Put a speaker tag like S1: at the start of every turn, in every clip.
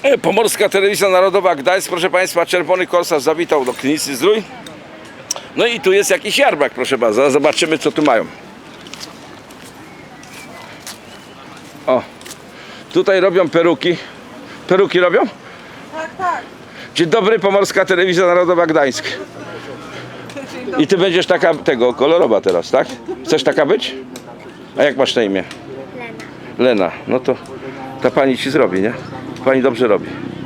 S1: Pomorska Telewizja Narodowa Gdańsk, proszę Państwa, czerwony korsarz zawitał do Krynicy Zdrój. No i tu jest jakiś jarmark, proszę bardzo, zobaczymy co tu mają. O, tutaj robią peruki. Peruki robią?
S2: Tak, tak.
S1: Dzień dobry, Pomorska Telewizja Narodowa Gdańsk. I ty będziesz taka, kolorowa teraz, tak? Chcesz taka być? A jak masz na imię? Lena. No to ta pani ci zrobi, nie? Pani dobrze robi.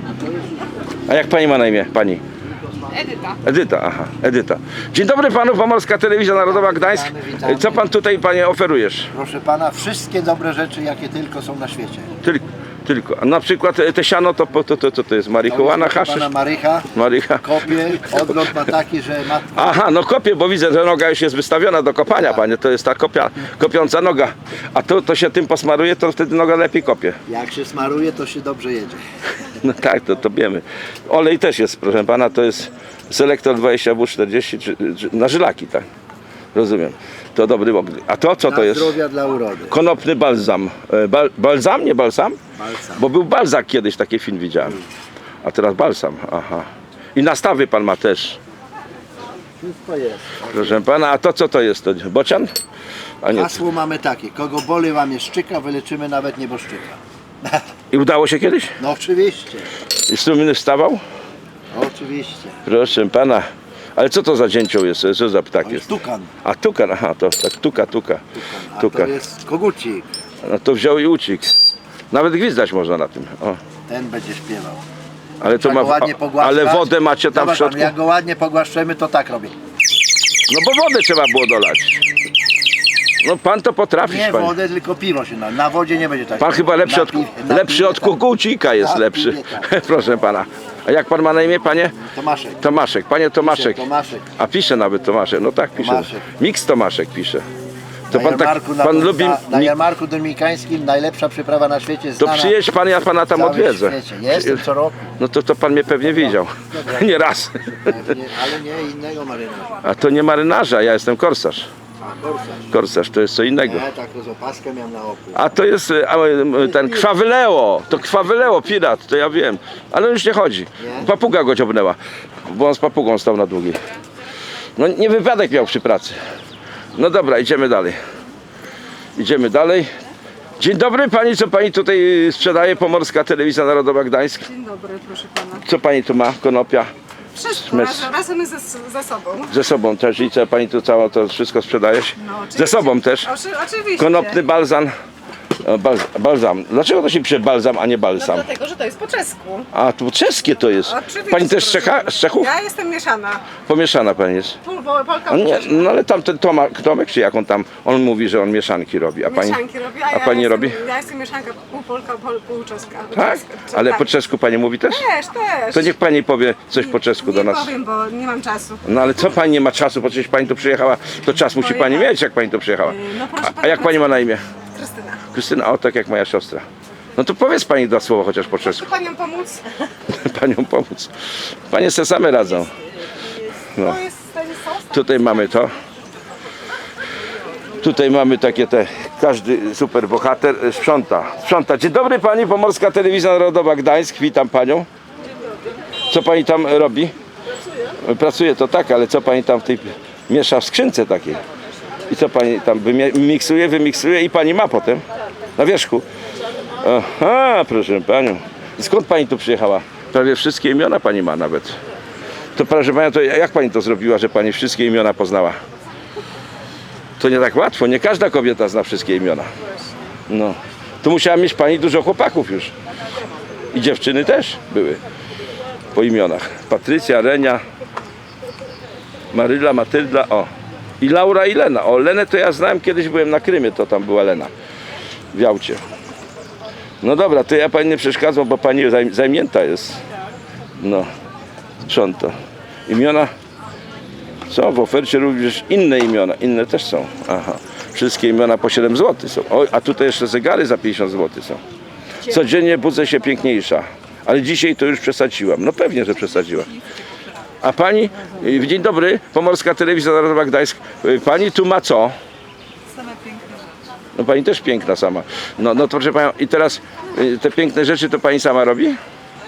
S1: A jak pani ma na imię? Pani?
S2: Edyta.
S1: Edyta, aha, Edyta. Dzień dobry panu, Pomorska Telewizja Narodowa Gdańsk.
S3: Witamy.
S1: Co pan tutaj, panie, oferujesz?
S3: Proszę pana, wszystkie dobre rzeczy, jakie tylko są na świecie.
S1: Tylko. A na przykład te siano to jest marihuana,
S3: Proszę
S1: haszysz?
S3: pana, marycha,
S1: Marycha.
S3: kopie, odlot ma taki, że ma...
S1: Aha, no kopię, bo widzę, że noga już jest wystawiona do kopania, panie. To jest ta kopiąca noga. A to się tym posmaruje, to wtedy noga lepiej kopie.
S3: Jak się smaruje, to się dobrze jedzie.
S1: No tak, to wiemy. Olej też jest, proszę pana, to jest Selektor 20W40 na żylaki, tak? Rozumiem. To dobry obry. A to co to
S3: Dla
S1: jest?
S3: zdrowia, dla urody.
S1: Konopny balsam. Balsam, nie balsam?
S3: Balsam.
S1: Bo był balzak kiedyś, taki film widziałem. A teraz balsam, aha. I nastawy pan ma też.
S3: Wszystko jest.
S1: Proszę pana, a to co to jest? To bocian? A nie.
S3: Hasło mamy takie, kogo boli łamie szczyka, wyleczymy nawet nieboszczyka.
S1: I udało się kiedyś?
S3: No oczywiście,
S1: I strumień wstawał?
S3: oczywiście.
S1: Proszę pana. Ale co to za dzięcioł jest? Co za ptak
S3: To jest
S1: jest?
S3: tukan.
S1: A tukan, aha, to tak tuka.
S3: A
S1: Tuka.
S3: to jest kogucik.
S1: No to wziął i uciekł. Nawet gwizdać można na tym. O.
S3: Ten będzie śpiewał.
S1: Ale to
S3: Trzeba
S1: ma.
S3: go ładnie pogłaskać.
S1: Ale wodę macie tam w
S3: Zobacz pan,
S1: środku?
S3: jak go ładnie pogłaszczemy, to tak robi.
S1: No bo wodę trzeba było dolać. No pan to potrafisz,
S3: Nie
S1: panie.
S3: wodę, tylko piwo się na wodzie nie będzie tak.
S1: Pan chyba lepszy od, lepszy od kukułcika jest
S3: Na
S1: lepszy.
S3: piwie, tak.
S1: Proszę pana. A jak pan ma na imię, panie?
S3: Tomaszek.
S1: Tomaszek. Panie Tomaszek.
S3: Tomaszek.
S1: A pisze nawet Tomaszek. No tak pisze.
S3: Tomaszek.
S1: Miks Tomaszek pisze. To
S3: Na
S1: pan tak,
S3: jarmarku,
S1: pan lubi...
S3: na jarmarku dominikańskim najlepsza przyprawa na świecie
S1: To
S3: znana
S1: przyjedź pan, ja pana tam
S3: w całym
S1: odwiedzę.
S3: świecie. Jestem co roku,
S1: No to pan mnie pewnie widział. Nie raz.
S3: ale nie innego marynarza.
S1: A to nie marynarza, ja jestem korsarz.
S3: A korsarz.
S1: Korsarz to jest co innego.
S3: Nie, taką z opaskę miałem na oku.
S1: A to jest ten Krwawy Leo. To Krwawy Leo, pirat, to ja wiem. Ale on już nie chodzi.
S3: Nie?
S1: Papuga go ciągnęła, bo on z papugą stał na długiej. No nie wypadek miał przy pracy. No dobra, idziemy dalej. Idziemy dalej. Dzień dobry pani, co pani tutaj sprzedaje? Pomorska Telewizja Narodowa Gdańsk.
S2: Dzień dobry, proszę pana.
S1: Co pani tu ma? Konopia?
S2: Wszystko razem ze sobą.
S1: Ze sobą też i co pani tu całe to wszystko sprzedajesz?
S2: No, oczywiście.
S1: Ze sobą też?
S2: Oczywiście.
S1: Konopny balzam. Balsam. Dlaczego to się pisze balsam, a nie
S2: No
S1: balsam?
S2: dlatego, że to jest po czesku.
S1: A tu czeskie to jest.
S2: Oczywiście,
S1: Pani też z
S2: proszę.
S1: z Czechów?
S2: Ja jestem mieszana.
S1: Pomieszana pani jest.
S2: Polka
S1: No, nie,
S2: mieszana.
S1: no ale tamten Tomek, czy jak on tam, on mówi, że on mieszanki robi. A pani,
S2: Mieszanki robi,
S1: a pani nie robi?
S2: Ja jestem mieszanka pół Polka, pół czeska.
S1: Tak? Ale po czesku pani mówi też?
S2: Też.
S1: To niech pani powie coś po czesku do
S2: Nie
S1: nas.
S2: powiem, bo nie mam czasu.
S1: No ale co pani nie ma czasu, bo przecież pani tu przyjechała, to czas musi pani mieć, jak pani tu przyjechała.
S2: No proszę
S1: A jak pani ma na imię?
S2: Krystyna.
S1: Krystyna, o tak jak moja siostra. No to powiedz pani dwa słowa chociaż po czesku.
S2: Chcę panią pomóc?
S1: Panią pomóc. Panie se same radzą. No.
S2: To jest ten sos.
S1: Tutaj mamy to. Tutaj mamy takie każdy super bohater sprząta. Dzień dobry pani, Pomorska Telewizja Narodowa Gdańsk, witam panią. Co pani tam robi? Pracuje to tak, ale co pani tam w tej miesza w skrzynce takiej? I co pani tam wymiksuje i pani ma potem na wierzchu. Aha, proszę panią. Skąd pani tu przyjechała? Prawie wszystkie imiona pani ma nawet. To proszę panią, to jak pani to zrobiła, że pani wszystkie imiona poznała? To nie tak łatwo, nie każda kobieta zna wszystkie imiona. No. Tu musiała mieć pani dużo chłopaków już. I dziewczyny też były po imionach. Patrycja, Renia, Maryla, Matylda, o. I Laura i Lena. O, Lenę to ja znałem, kiedyś byłem na Krymie, to tam była Lena. W Jałcie. No dobra, to ja pani nie przeszkadzam, bo pani zajmięta jest. No, sprząta. Imiona są w ofercie również inne imiona, inne też są. Aha. Wszystkie imiona po 7 zł są. Oj, a tutaj jeszcze zegary za 50 zł są. Codziennie budzę się piękniejsza, ale dzisiaj to już przesadziłam. No pewnie, że przesadziłam. A pani, dzień dobry, Pomorska Telewizja Narodowa Gdańsk. Pani tu ma co?
S2: Same piękne.
S1: No pani też piękna sama. No to proszę panią, i teraz te piękne rzeczy to pani sama robi?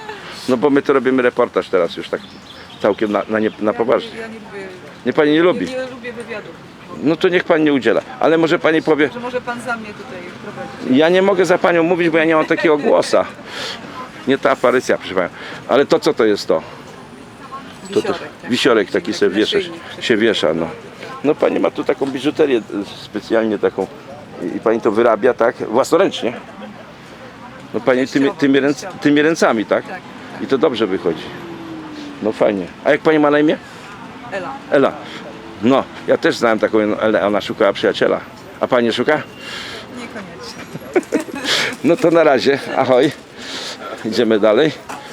S1: No bo my to robimy reportaż teraz już tak całkiem na poważnie.
S2: Ja nie lubię,
S1: Nie pani nie lubi?
S2: nie lubię wywiadów.
S1: No to niech pani nie udziela. Ale może pani powie,
S2: Że może pan za mnie tutaj prowadzi.
S1: ja nie mogę za panią mówić, bo ja nie mam takiego głosa. Nie ta aparycja, proszę panią. Ale to co to jest to? To wisiorek taki sobie wiesza, się wiesza, no. No pani ma tu taką biżuterię specjalnie taką i pani to wyrabia, tak? Własnoręcznie. No pani tymi ręcami, tak?
S2: Tak.
S1: I to dobrze wychodzi. No fajnie. A jak pani ma na imię?
S2: Ela.
S1: Ela. No, ja też znałem taką Elę, ona szukała przyjaciela. A pani szuka?
S2: Niekoniecznie.
S1: No to na razie, ahoj. Idziemy dalej.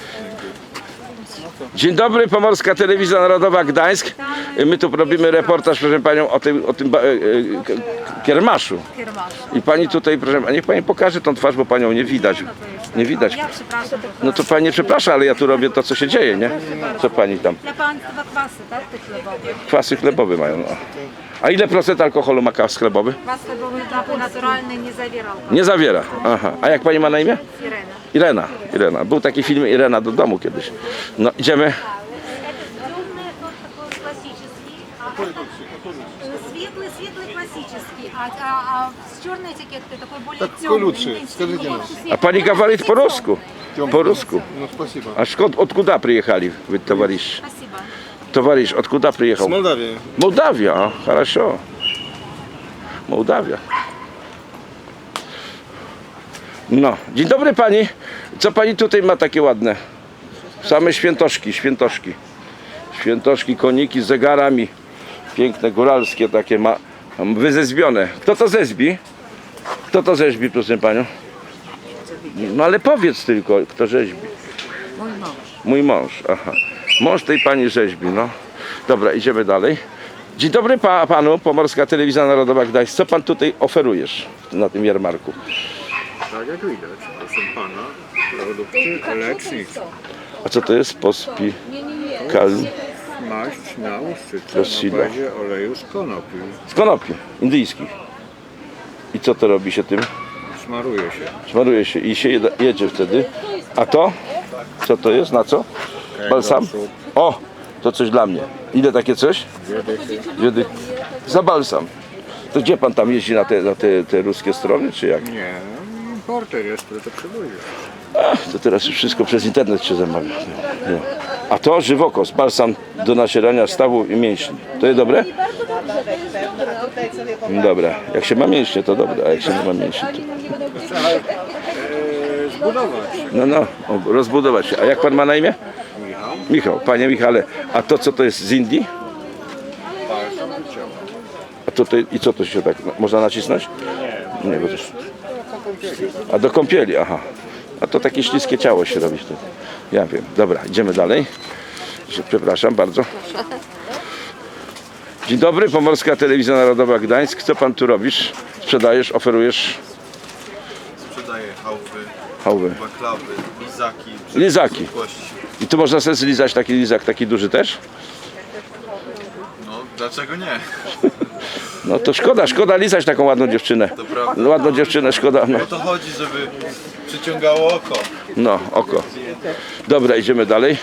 S1: Dzień dobry, Pomorska Telewizja Narodowa Gdańsk. My tu robimy reportaż, proszę panią, o tym kiermaszu. I pani tutaj, proszę, a niech pani pokaże tą twarz, bo panią nie widać. Nie widać.
S4: Ja przepraszam.
S1: No to pani przeprasza, ale ja tu robię to, co się dzieje, nie? Co pani tam?
S4: Dla państwa kwasy, tak? Te chlebowe.
S1: Kwasy chlebowe mają, no. A ile procent alkoholu ma kwas chlebowy?
S4: Kwas chlebowy napój naturalny nie zawierał.
S1: Nie zawiera. Aha. A jak pani ma na imię?
S4: Irena.
S1: Irena. Był taki film Irena do domu kiedyś. No idziemy.
S4: Темный такой классический, светлый классический, а с черной этикеткой такой более
S5: Какой
S4: темный.
S5: лучше? Скажите нам.
S1: A pani gawarit po rusku? Po rusku.
S5: Ну, спасибо.
S1: A skąd, откуда приехали вы, товарищ?
S4: Спасибо.
S1: Товарищ, откуда приехал?
S5: С Молдавии.
S1: Mołdawia, a, хорошо. Mołdawia. No, dzień dobry pani. Co pani tutaj ma takie ładne? Same świętoszki, świętoszki. Świętoszki, koniki z zegarami. Piękne, góralskie takie ma. Wyzezbione. Kto to zezbi? Kto to rzeźbi, proszę panią? No ale powiedz tylko, kto rzeźbi.
S2: Mój mąż.
S1: Mój mąż, aha. Mąż tej pani rzeźbi, no. Dobra, idziemy dalej. Dzień dobry panu, Pomorska Telewizja Narodowa Gdańsk. Co pan tutaj oferujesz na tym jarmarku?
S5: Tak jak widać, proszę pana, produkty lecznicze.
S1: A co to jest? Pospikal
S5: Maść na łuszczycę
S1: Prosilo.
S5: na bazie oleju z konopi.
S1: z konopi indyjskich. I co to robi się tym?
S5: Smaruje się.
S1: Smaruje się i się jedzie wtedy. A to? Co to jest? Na co? Balsam? O! To coś dla mnie. Ile takie coś? Wiedy. Za balsam. To gdzie pan tam jeździ na te ruskie strony, czy jak?
S5: Nie, importer jest, który to przywózi.
S1: Ach, to teraz już wszystko przez internet się zamawia. Nie. A to żywokos, balsam do nacierania stawu i mięśni. To jest dobre? Dobra. Jak się ma mięśnie, to dobre, a jak się nie ma mięśni, to...
S5: Zbudować.
S1: No, rozbudować się. A jak pan ma na imię?
S5: Michał.
S1: Michał. Panie Michale, a to co to jest z Indii?
S5: Balsam do ciała.
S1: A to, i co to się tak, można nacisnąć? Nie, bo to... A do kąpieli, aha. A to takie śliskie ciało się robi wtedy. Ja wiem. Dobra, idziemy dalej. Przepraszam bardzo. Dzień dobry, Pomorska Telewizja Narodowa Gdańsk. Co pan tu robisz? Sprzedajesz, oferujesz?
S6: Sprzedaję
S1: Hałwy.
S6: chałwy, baklawy, lizaki.
S1: Lizaki.
S6: Zwykłości.
S1: I tu można sobie zlizać taki lizak, taki duży też?
S6: No, dlaczego nie?
S1: No to szkoda lizać taką ładną dziewczynę.
S6: prawda.
S1: Ładną dziewczynę, szkoda. No,
S6: O to chodzi, żeby przyciągało oko.
S1: no oko. Dobra, idziemy dalej.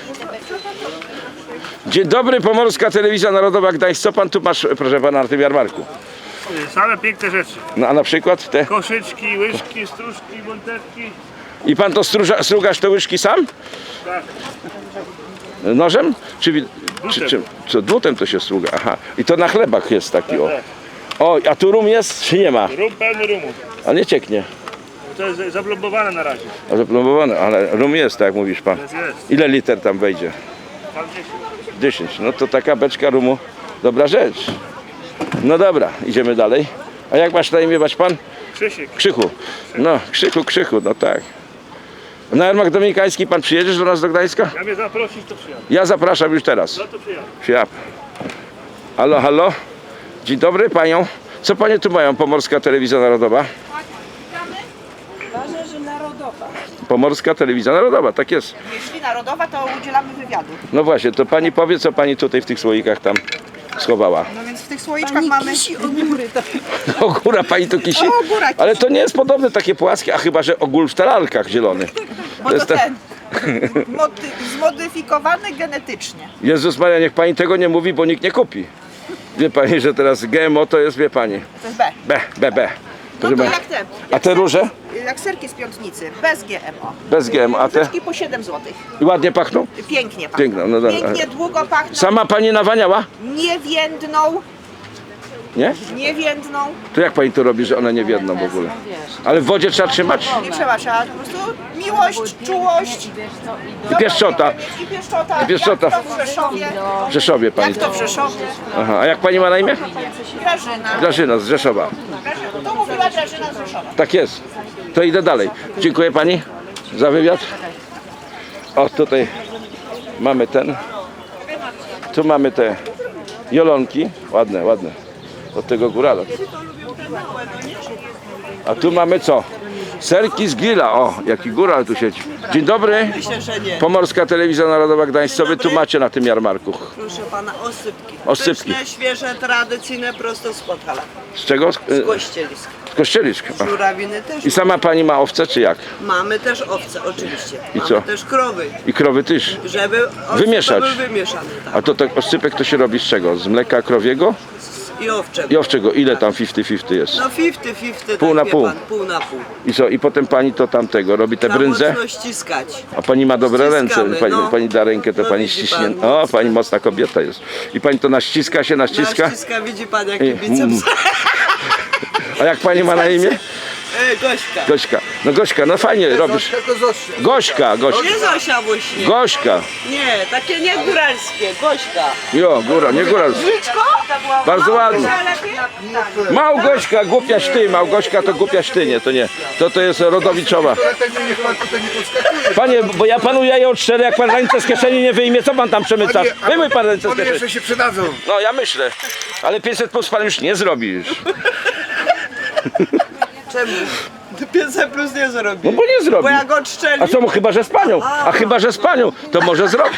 S1: Dzień dobry, Pomorska Telewizja Narodowa Gdańsk. Co pan tu masz, proszę pana, na tym jarmarku?
S7: Same piękne rzeczy.
S1: No, a na przykład te?
S7: Koszyczki, łyżki, stróżki, wąteczki.
S1: I pan to strugasz te łyżki sam?
S7: Tak.
S1: Nożem? Czy
S7: Drutem.
S1: czym? Co, drutem to się struga, aha. I to na chlebach jest taki, o. O, a tu rum jest, czy nie ma?
S7: Rum pełny rumu.
S1: A nie cieknie.
S7: To jest zablombowane na razie.
S1: A zaplombowane, ale rum jest, tak jak mówisz pan.
S7: Jest.
S1: Ile liter tam wejdzie?
S7: Tam gdzieś.
S1: 10. No to taka beczka rumu, dobra rzecz. No dobra, idziemy dalej. A jak masz na imię, pan?
S7: Krzysiek.
S1: Krzychu. No, Krzychu, no tak. Na jarmark dominikański pan przyjedziesz do nas do Gdańska?
S7: Ja mnie zaprosić, to przyjadę.
S1: Ja zapraszam już teraz.
S7: No to przyjadę.
S1: Siap. Halo, halo. Dzień dobry panią. Co panie tu mają? Pomorska Telewizja Narodowa?
S2: Ważne, że narodowa.
S1: Pomorska Telewizja Narodowa, tak jest.
S2: Jeśli narodowa, to udzielamy wywiadu.
S1: No właśnie, to pani powie, co pani tutaj w tych słoikach tam schowała.
S2: No więc w tych słoiczkach mamy ogóry.
S1: Ogóra pani tu kisi?
S2: O, góra kisi.
S1: Ale to nie jest podobne takie płaskie, a chyba, że ogól w talalkach zielony.
S2: Bo
S1: jest
S2: to
S1: ta-
S2: ten. Zmodyfikowany genetycznie.
S1: Jezus Maria, niech pani tego nie mówi, bo nikt nie kupi. Wie pani, że teraz GMO to jest, wie pani,
S2: To jest B.
S1: B.
S2: No
S1: Proszę
S2: to
S1: pani.
S2: jak te.
S1: A te róże?
S2: Jak serki z piątnicy, bez GMO.
S1: Bez GMO, a te?
S2: Różyczki po 7 zł.
S1: I ładnie pachną?
S2: Pięknie pachną.
S1: Piękno, no dobra.
S2: Pięknie, długo pachną.
S1: Sama pani nawaniała?
S2: Nie więdną,
S1: Nie?
S2: nie więdną.
S1: To jak pani to robi, że one nie wiedną w ogóle? Ale w wodzie trzeba trzymać?
S2: Nie trzeba po prostu miłość, czułość.
S1: I pieszczota.
S2: I pieszczota.
S1: I pieszczota.
S2: Jak to w Rzeszowie.
S1: W Rzeszowie pani
S2: Jak to w Rzeszowie.
S1: Aha, a jak pani ma na imię?
S2: Grażyna.
S1: Grażyna z Rzeszowa.
S2: To mówiła Grażyna z Rzeszowa.
S1: Tak jest. To idę dalej. Dziękuję pani za wywiad. O, tutaj mamy ten. Tu mamy te jolonki. Ładne, ładne. Od tego górala. A tu mamy co? Serki z grilla. O, jaki góral tu siedzi. Dzień dobry.
S8: Myślę, że nie.
S1: Pomorska Telewizja Narodowa Gdańsk. Co wy tu macie na tym jarmarku?
S8: Proszę pana, osypki.
S1: Osypki.
S8: Pyszne, świeże, tradycyjne, prosto z Podhala.
S1: Z czego?
S8: Z Kościelisk.
S1: Z Kościelisk. A.
S8: Żurawiny też.
S1: I sama pani ma owce, czy jak?
S8: Mamy też owce, oczywiście.
S1: I
S8: Mamy
S1: co?
S8: też krowy,
S1: I krowy też.
S8: żeby oscypek
S1: Wymieszać.
S8: był wymieszany. Tak.
S1: A to tak oscypek to się robi z czego? Z mleka krowiego
S8: I owczego.
S1: i owczego. Ile tam 50-50 jest?
S8: No 50-50,
S1: Pół
S8: tak
S1: na
S8: wie
S1: pół.
S8: Pan, pół na pół.
S1: I co? I potem pani to tamtego robi te
S8: Trzeba
S1: brędze?
S8: mocno ściskać.
S1: A pani ma dobre ręce.
S8: Ściskamy,
S1: Pani,
S8: no.
S1: pani da rękę, to
S8: No
S1: pani
S8: widzi
S1: ściśnie.
S8: pan,
S1: O,
S8: mocno.
S1: pani mocna kobieta jest. I pani to naściska się, naściska.
S8: Naściska, widzi pan jaki
S1: I-
S8: biceps.
S1: A jak pani ma na imię?
S8: Gośka.
S1: Gośka. No Gośka, no fajnie robisz.
S3: Tylko Zosia.
S1: Gośka, Gośka.
S8: Nie Zosia właśnie.
S1: Gośka.
S8: Nie, takie nie góralskie. Gośka.
S1: Jo, góra, nie góra. Bardzo ładnie. Małgośka, głupiaś ty. Małgośka to głupiaś ty, nie, to nie. To jest rodowiczowa.
S3: Dlatego niech pan tutaj nie podskakuje.
S1: Panie, bo ja panu jaję od 4, jak pan ręce z kieszeni nie wyjmie, co pan tam przemyca?
S3: Panie, a
S1: Wyjmuj pan ręce z
S3: One
S1: kieszeni.
S3: jeszcze się przydadzą.
S1: No ja myślę, ale 500 plus pan już nie zrobisz.
S8: Czemu? 500 plus nie zrobi.
S1: No bo nie zrobi.
S8: Bo jak odszczeli.
S1: A co mu, chyba że z panią? A chyba że z panią, to może zrobi.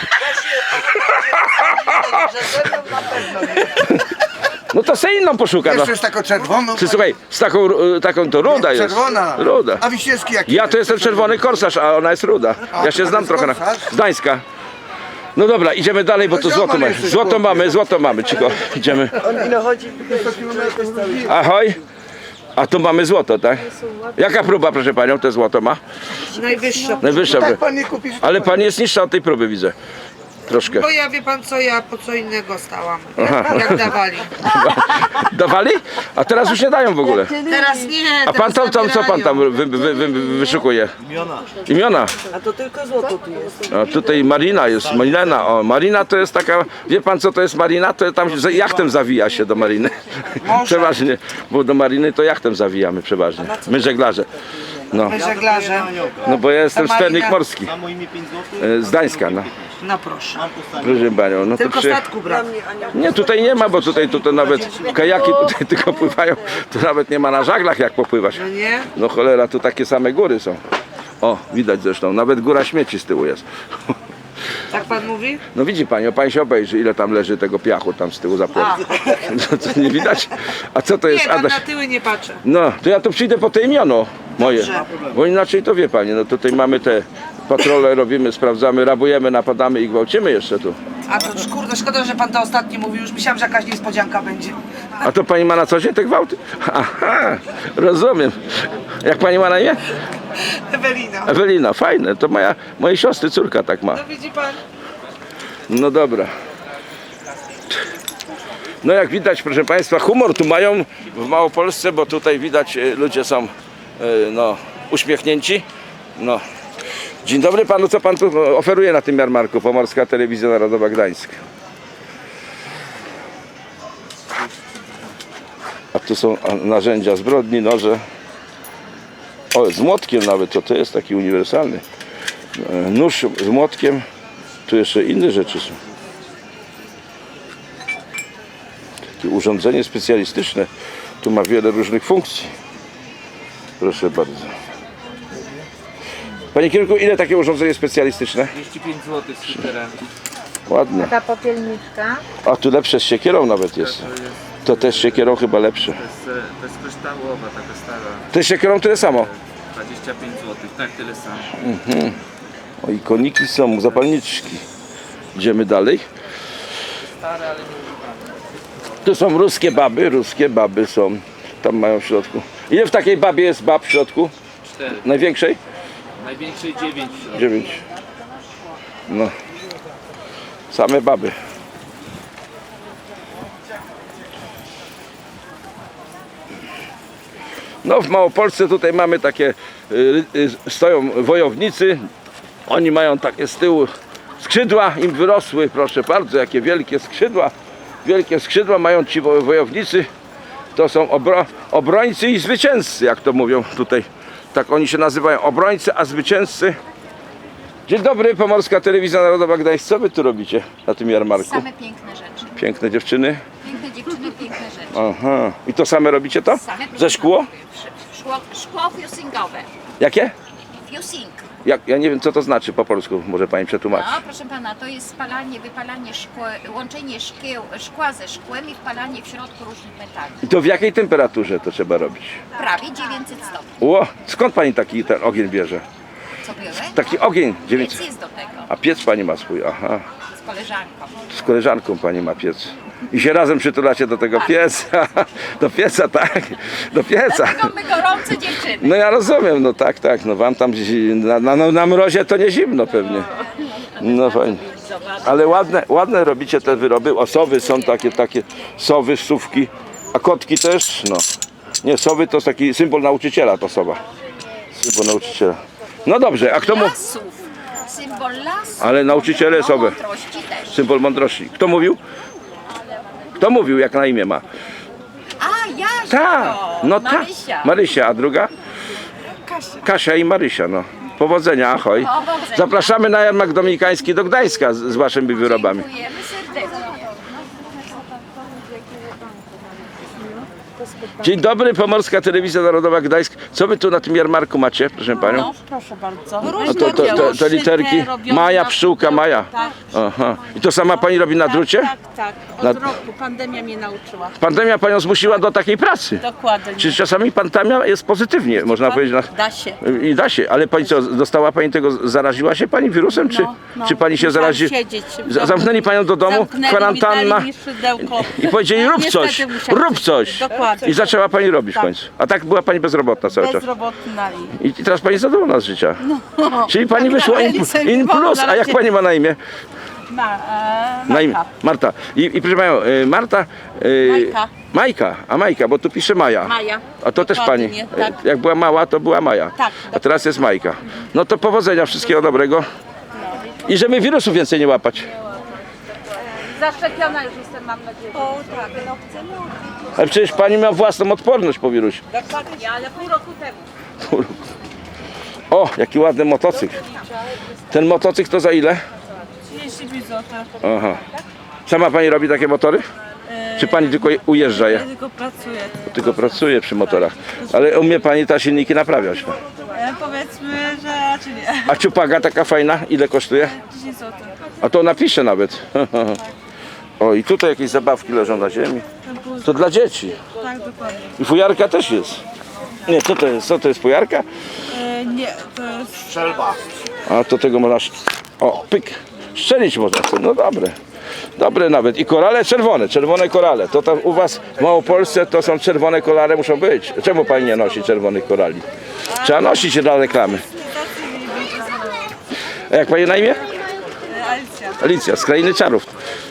S1: No to se inną poszuka. No.
S3: Jeszcze jest taką czerwoną.
S1: Ty, słuchaj, z taką to ruda jest.
S3: Czerwona.
S1: Ruda.
S3: A Wiśniewski jaki?
S1: Ja to jestem czerwony korsarz, a ona jest ruda. Ja się
S3: to
S1: znam
S3: jest
S1: trochę na...
S3: korsarz?
S1: Z Gdańska. No dobra, idziemy dalej, bo tu
S3: No
S1: złoto
S3: ziomal
S1: mamy.
S3: jesteś,
S1: Złoto mamy, cicho. Idziemy.
S8: Ile chodzi?
S1: Ahoj. A tu mamy złoto, tak? Jaka próba, proszę panią, te złoto ma?
S8: Najwyższa.
S1: Najwyższa.
S3: Tak pan nie kupisz.
S1: Ale pani jest niższa od tej próby, widzę. Troszkę.
S9: Bo ja wie pan co, ja po co innego stałam, jak dawali.
S1: Dawali? A teraz już nie dają w ogóle.
S9: Teraz nie,
S1: A pan
S9: teraz
S1: tam co pan tam
S9: zabierają.
S1: wyszukuje? Imiona.
S8: A to tylko złoto tu jest.
S1: A tutaj Marina jest, Marina. O, Marina to jest taka, wie pan co to jest Marina? To tam jachtem zawija się do Mariny. Przeważnie, bo do Mariny to jachtem zawijamy przeważnie. My żeglarze. No,
S9: Żeglarze.
S1: no bo ja jestem
S9: Marina-
S1: sternik morski. Z Gdańska, no.
S9: No proszę.
S1: Proszę panią, no to
S9: Tylko statku brak.
S1: Nie, tutaj nie ma, bo tutaj nawet kajaki tutaj tylko pływają. Tu nawet nie ma na żaglach jak popływać.
S9: No nie?
S1: No cholera, tu takie same góry są. O, widać zresztą, nawet góra śmieci z tyłu jest.
S9: Tak pan mówi?
S1: No widzi pani, pan się obejrzy, ile tam leży tego piachu tam z tyłu za płotem. No, to nie widać? A co to jest,
S9: Nie, tam
S1: Adaś?
S9: na tyły nie patrzę.
S1: No, to ja tu przyjdę po te imiono moje.
S9: Dobrze.
S1: Bo inaczej to wie pani, no tutaj mamy te patrole, robimy, sprawdzamy, rabujemy, napadamy i gwałcimy jeszcze tu.
S9: A to kurde, szkoda, że pan to ostatni mówił, już myślałam, że jakaś niespodzianka będzie.
S1: A to pani ma na co dzień te gwałty? Aha, rozumiem. Jak pani ma na imię?
S9: Ewelina.
S1: Ewelina, fajne, to mojej siostry córka tak ma.
S9: No widzi pan?
S1: No dobra. No jak widać, proszę państwa, humor tu mają w Małopolsce, bo tutaj widać ludzie są no, uśmiechnięci. No. Dzień dobry panu, co pan tu oferuje na tym jarmarku? Pomorska Telewizja Narodowa Gdańsk. A tu są narzędzia zbrodni, noże. O, z młotkiem nawet, to jest taki uniwersalny. Nóż z młotkiem. Tu jeszcze inne rzeczy są. Takie urządzenie specjalistyczne. Tu ma wiele różnych funkcji. Proszę bardzo. Panie kierunku, ile takie urządzenie specjalistyczne?
S10: 35 zł z shooterem.
S1: Ładne.
S4: Ta popielniczka.
S1: A tu lepsze z siekierą nawet jest. To też z siekierą chyba lepsze.
S10: To jest kryształowa, taka stara.
S1: To z siekierą tyle samo.
S10: 25 zł, tak tyle samo.
S1: O, i koniki są, zapalniczki. Idziemy dalej. Tu są ruskie baby są. Tam mają w środku. Ile w takiej babie jest bab w środku?
S10: 4.
S1: Największej?
S10: Największej 9.
S1: 9. No. Same baby. No w Małopolsce tutaj mamy takie, stoją wojownicy. Oni mają takie z tyłu skrzydła, im wyrosły, proszę bardzo, jakie wielkie skrzydła. Wielkie skrzydła mają ci wojownicy. To są obrońcy i zwycięzcy, jak to mówią tutaj. Tak oni się nazywają, obrońcy, a zwycięzcy. Dzień dobry, Pomorska Telewizja Narodowa Gdańsk. Co wy tu robicie na tym jarmarku?
S4: Same piękne rzeczy.
S1: Piękne dziewczyny?
S4: Piękne dziewczyny, piękne rzeczy.
S1: Aha. I to same robicie to?
S4: Same piękne
S1: Ze szkło?
S4: Szkło fusingowe.
S1: Jakie?
S4: Fusing.
S1: Ja nie wiem, co to znaczy po polsku. Może pani przetłumaczy.
S4: No, proszę pana, to jest spalanie, wypalanie szkła, łączenie szkła ze szkłem i wpalanie w środku różnych metali.
S1: I to w jakiej temperaturze to trzeba robić?
S4: Prawie 900 stopni.
S1: Ło, skąd pani taki ten ogień bierze?
S4: Co biorę?
S1: Taki ogień 900.
S4: Piec jest do tego,
S1: A piec pani ma swój, aha.
S4: z koleżanką.
S1: Z koleżanką pani ma piec. I się razem przytulacie do tego pieca. Do pieca, tak. Do pieca.
S4: Dlatego my gorące dziewczyny.
S1: No ja rozumiem, no tak, tak. No wam tam na mrozie to nie zimno pewnie. No fajnie. Ale ładne robicie te wyroby. O, sowy są takie sowy, sówki. A kotki też, no. Nie, sowy to jest taki symbol nauczyciela, to sowa. Symbol nauczyciela. No dobrze, a kto mu...
S4: Lasów. Symbol lasu.
S1: Ale nauczyciele
S4: No,
S1: sowy.
S4: mądrości też.
S1: Symbol mądrości. Kto mówił? Kto mówił, jak na imię ma?
S4: A, Jasia.
S1: Tak, no tak.
S4: Marysia.
S1: Marysia, a druga? Kasia i Marysia, no. Powodzenia, ahoj.
S4: Powodzenia.
S1: Zapraszamy na jarmark dominikański do Gdańska z waszymi wyrobami.
S4: Dziękujemy serdecznie.
S1: Dzień dobry, Pomorska Telewizja Narodowa Gdańsk. Co wy tu na tym jarmarku macie, proszę panią?
S8: Proszę bardzo.
S1: A te literki? Maja, pszczółka, Maja.
S8: Tak,
S1: Aha. I to sama pani robi na drucie?
S8: tak. Od
S1: Na-
S8: roku pandemia mnie nauczyła.
S1: Pandemia panią zmusiła do takiej pracy.
S8: Dokładnie.
S1: Czy czasami pandemia jest pozytywnie, można powiedzieć.
S8: Da się.
S1: I da się, ale pani co, dostała pani tego, zaraziła się pani wirusem, czy pani się
S8: musiałam
S1: zarazi?
S8: siedzieć w domu.
S1: Zamknęli panią do domu,
S8: Zamknęli mi,
S1: kwarantanna
S8: dali mi szydełko.
S1: i powiedzieli rób
S8: Niestety
S1: coś,
S8: musiałam
S1: rób coś.
S8: Dokładnie.
S1: I zaczęła pani robić w
S8: Tak.
S1: końcu. A tak była pani bezrobotna cały czas.
S8: Bezrobotna i...
S1: I teraz pani zadowolona z życia.
S8: No.
S1: Czyli pani wyszła in plus, a jak pani ma na imię? Na imię. Marta. I proszę panią, Marta.
S8: Majka.
S1: Majka, a Majka, bo tu pisze Maja.
S8: Maja.
S1: A to też pani.
S8: Dokładnie, tak.
S1: Jak była mała, to była Maja.
S8: Tak,
S1: A teraz jest Majka. No to powodzenia, wszystkiego dobrego. I żeby wirusów więcej nie łapać.
S8: Zaszczepiona już jestem, mam nadzieję. O tak, no chcemy.
S1: Ale przecież pani ma własną odporność po wirusie.
S8: Dokładnie, ale pół roku temu.
S1: O, jaki ładny motocykl. Ten motocykl to za ile?
S8: 35 zł.
S1: Aha. Sama pani robi takie motory? Czy pani tylko ujeżdża je?
S8: Tylko pracuję.
S1: Tylko pracuje przy motorach. Ale umie pani te silniki naprawiać.
S8: Powiedzmy, że raczej nie.
S1: A ciupaga taka fajna, ile kosztuje?
S8: 10 zł.
S1: A to napiszę nawet. O, i tutaj jakieś zabawki leżą na ziemi. To dla dzieci.
S8: Tak, dokładnie.
S1: I fujarka też jest. Nie, co to jest? Co to jest fujarka?
S8: Nie, to jest...
S3: Strzelba.
S1: A to tego można... O, pyk. Strzelić można. No dobre. Dobre nawet. I korale czerwone. Czerwone korale. To tam u was w Małopolsce to są czerwone korale, muszą być. Czemu pani nie nosi czerwonych korali? Trzeba nosić dla reklamy. A jak pani na imię?
S8: Alicja.
S1: Alicja, z Krainy Czarów.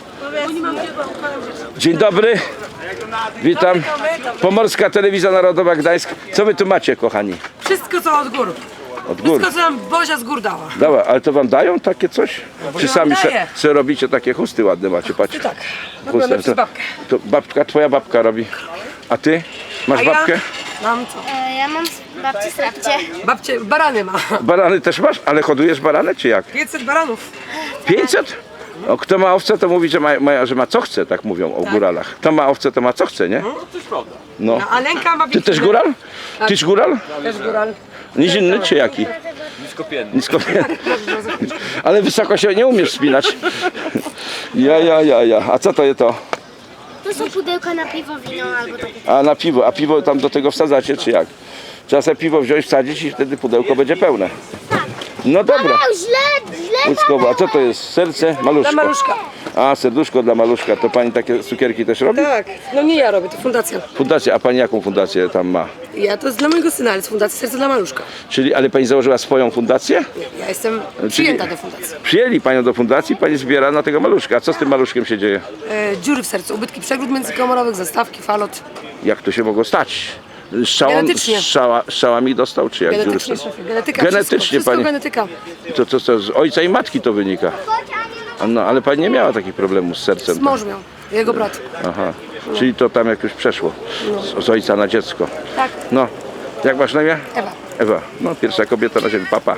S1: Dzień dobry. Witam. Pomorska Telewizja Narodowa Gdańsk. Co wy tu macie, kochani?
S8: Wszystko co od gór.
S1: Od gór.
S8: Wszystko co nam Bozia z gór dała.
S1: Dobra, ale to wam dają takie coś? Czy sami
S8: daje.
S1: se robicie takie chusty ładne macie, patrz.
S8: Tak.
S1: Chusty.
S8: Przez babkę.
S1: To babka, twoja babka robi. A ty? Masz
S8: A ja?
S1: babkę?
S8: Mam co?
S11: Ja mam babci strapcie.
S8: Babcie, barany ma.
S1: Barany też masz? Ale hodujesz barany, czy jak?
S8: 500 baranów.
S1: 500? O, kto ma owce, to mówi, że ma co chce, tak mówią o góralach. Kto ma owce, to ma co chce, nie? No.
S8: A Lenka ma
S1: Ty też góral? Tyś góral?
S8: Też góral.
S1: Nizinny czy jaki? Niskopienny. Ale wysoko się nie umiesz spinać. Ja. A co to jest to?
S11: To są pudełka na piwo, wino albo takie.
S1: A na piwo. A piwo tam do tego wsadzacie, czy jak? Trzeba sobie piwo wziąć, wsadzić i wtedy pudełko będzie pełne. No dobra.
S11: Źle.
S1: Łódzkowo. A co to jest? Serce? Maluszka.
S8: Dla maluszka.
S1: A, serduszko dla maluszka. To pani takie cukierki też robi?
S8: Tak, no nie ja robię, to fundacja.
S1: Fundację. A pani jaką fundację tam ma?
S8: Ja to jest dla mojego syna, ale z fundacji Serce dla Maluszka.
S1: Czyli, ale pani założyła swoją fundację?
S8: Ja jestem przyjęta do fundacji.
S1: Przyjęli panią do fundacji, pani zbiera na tego maluszka. A co z tym maluszkiem się dzieje?
S8: Dziury w sercu, ubytki przegród międzykomorowych, zastawki, falot.
S1: Jak to się mogło stać?
S8: Genetycznie.
S1: Strzałami dostał, czy jak?
S8: Genetycznie,
S1: dziury w sercu?
S8: szefie, genetyka,
S1: Genetycznie,
S8: wszystko
S1: pani.
S8: genetyka.
S1: To z ojca i matki to wynika. No, ale pani nie miała takich problemów z sercem.
S8: Mąż miał, jego brat.
S1: Aha, czyli to tam jakoś przeszło z ojca na dziecko.
S8: Tak,
S1: No, jak masz na imię?
S8: Ewa.
S1: Ewa, no pierwsza kobieta na ziemi, papa.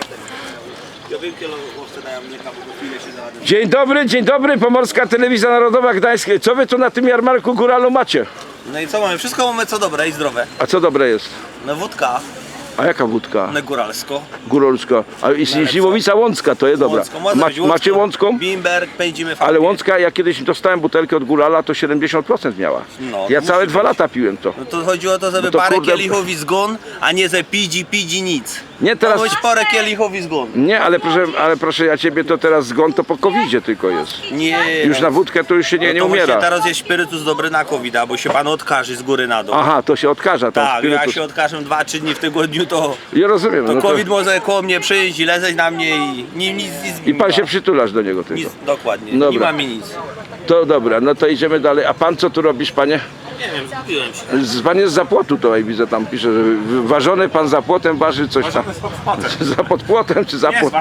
S1: Dzień dobry, Pomorska Telewizja Narodowa Gdańsk. Co wy tu na tym jarmarku góralu macie?
S12: No i co mamy? Wszystko mamy co dobre i zdrowe.
S1: A co dobre jest?
S12: No wódka,
S1: A jaka wódka?
S12: no góralsko.
S1: Góralska. A i Śliwowica Łącka, to jest dobra.
S12: Łącką, może być
S1: Macie Łącką?
S12: Bimberg, pędzimy fajnie.
S1: Ale Łącka, ja kiedyś dostałem butelkę od górala, to 70% miała.
S12: No,
S1: Ja
S12: to
S1: całe
S12: musi
S1: 2
S12: być.
S1: lata piłem to.
S12: No to chodzi o to, żeby
S1: No to
S12: parę
S1: kurde-
S12: kielichów i zgon, a nie ze pidzi nic.
S1: Nie teraz.
S12: Chodź parę kielichów i zgon.
S1: Nie, ale proszę ja ciebie, to teraz zgon to po covidzie tylko jest.
S12: Nie.
S1: Już na wódkę to już się nie
S12: to właśnie
S1: umiera.
S12: teraz jest spirytus dobry na covid, bo się pan odkaży z góry na dół.
S1: Aha, to się odkaża tam
S12: Tak, ja
S1: spirytus.
S12: się odkażę 2-3 dni w tygodniu, to
S1: Ja rozumiem. No to...
S12: COVID może koło mnie przyjść i lezeć na mnie i nic.
S1: I pan się przytulasz do niego tylko.
S12: Nic, dokładnie, nie
S1: Dobra.
S12: ma mi nic.
S1: To dobra, no to idziemy dalej. A pan co tu robisz, panie?
S12: Nie wiem, zgubiłem się.
S1: Pan jest za płotu tutaj, widzę, tam pisze, że ważony pan za płotem waży coś tam. Za pod płotem czy za płotem?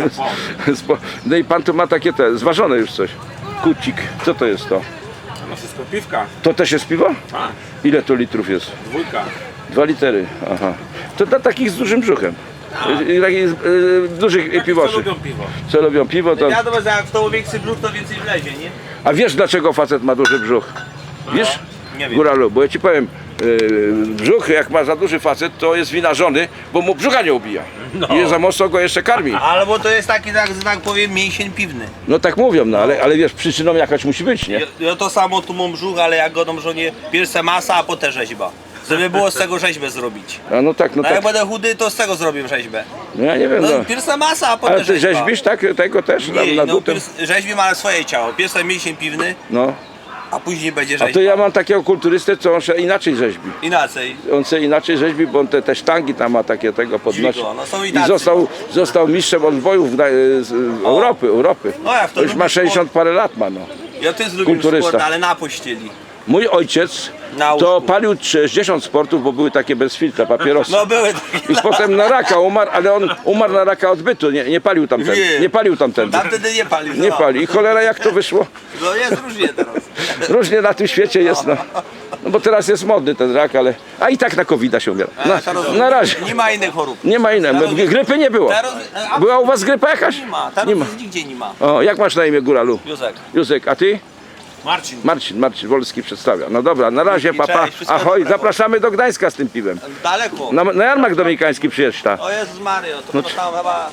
S1: No i pan tu ma takie zważone już coś. Kucik. Co to jest to?
S5: No wszystko piwka.
S1: To też jest piwo?
S5: Tak.
S1: Ile to litrów jest?
S5: 2.
S1: 2 litery, aha. To dla takich z dużym brzuchem. Takich dużych piwoszy.
S5: piwo.
S1: Co lubią piwo, to...
S12: Wiadomo, że jak w to większy brzuch, to więcej wlezie, nie?
S1: A wiesz dlaczego facet ma duży brzuch? Wiesz?
S12: Nie wiem.
S1: Góralu, bo ja ci powiem, brzuch jak ma za duży facet, to jest wina żony, bo mu brzucha nie ubija. I za mocno go jeszcze karmi.
S12: Albo to jest taki, że tak powiem, mięsień piwny.
S1: No tak mówią, no ale wiesz, przyczyną jakaś musi być, nie?
S12: Ja to samo tu mam brzuch, ale jak go dam żonie, pierwsza masa, a potem rzeźba. Żeby było z tego rzeźbę zrobić.
S1: A no tak, no
S12: No jak
S1: tak.
S12: będę chudy, to z tego zrobię rzeźbę.
S1: No ja nie wiem,
S12: No,
S1: no.
S12: pierwsza masa, a potem
S1: Ale ty
S12: rzeźba.
S1: rzeźbisz tak, tego też
S12: Nie,
S1: na
S12: no,
S1: butem?
S12: rzeźbimy, ale swoje ciało. Pierwszy mięsień piwny,
S1: No.
S12: a później będzie
S1: A
S12: rzeźba.
S1: to ja mam takiego kulturystę, co on się inaczej rzeźbi.
S12: Inaczej.
S1: On się inaczej rzeźbi, bo on te sztangi tam ma takie tego podnosi.
S12: Dziwko, no są i
S1: I
S12: tacy.
S1: został mistrzem odbojów z Europy.
S12: No jak to
S1: Już ma
S12: lubi
S1: 60 parę lat ma, no.
S12: Ja też lubię
S1: Kulturysta.
S12: sport, ale na pościeli.
S1: Mój ojciec
S12: Na
S1: to
S12: łóżku.
S1: palił 60 sportów, bo były takie bez filtra, papierosy.
S12: No były takie.
S1: I potem na raka umarł, ale on umarł na raka odbytu, nie palił tamten.
S12: Nie.
S1: Nie palił tamten.
S12: Tam wtedy nie palił.
S1: Nie
S12: no.
S1: pali. I cholera jak to wyszło?
S12: No jest różnie teraz.
S1: Różnie na tym świecie jest, no. No bo teraz jest modny ten rak, ale... A i tak na COVID się umiera. Na razie.
S12: Nie ma innych chorób.
S1: Nie ma innej. Grypy nie było. Była u was grypa jakaś?
S12: Nie ma.
S1: Nie ma.
S12: Nigdzie nie ma.
S1: O, jak masz na imię, Góralu?
S12: Józek.
S1: Józek, a ty?
S12: Marcin.
S1: Marcin Wolski przedstawia. No dobra, na razie,
S12: Dzięki,
S1: papa.
S12: cześć, wszystkiego
S1: Ahoj,
S12: dobrego.
S1: zapraszamy do Gdańska z tym piwem.
S12: Daleko.
S1: Na jarmark dominikański przyjedź ta.
S12: O Jezus Mario, to tam chyba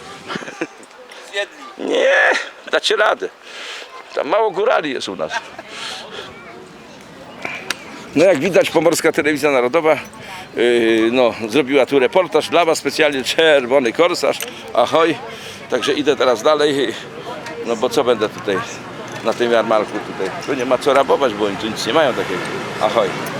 S12: zjedli.
S1: Nie, dacie radę. Tam mało górali jest u nas. No jak widać, Pomorska Telewizja Narodowa zrobiła tu reportaż dla was, specjalnie czerwony korsarz. Ahoj. Także idę teraz dalej. No bo co będę tutaj na tym jarmarku tutaj? Tu nie ma co rabować, bo oni tu nic nie mają takiego. Ahoj.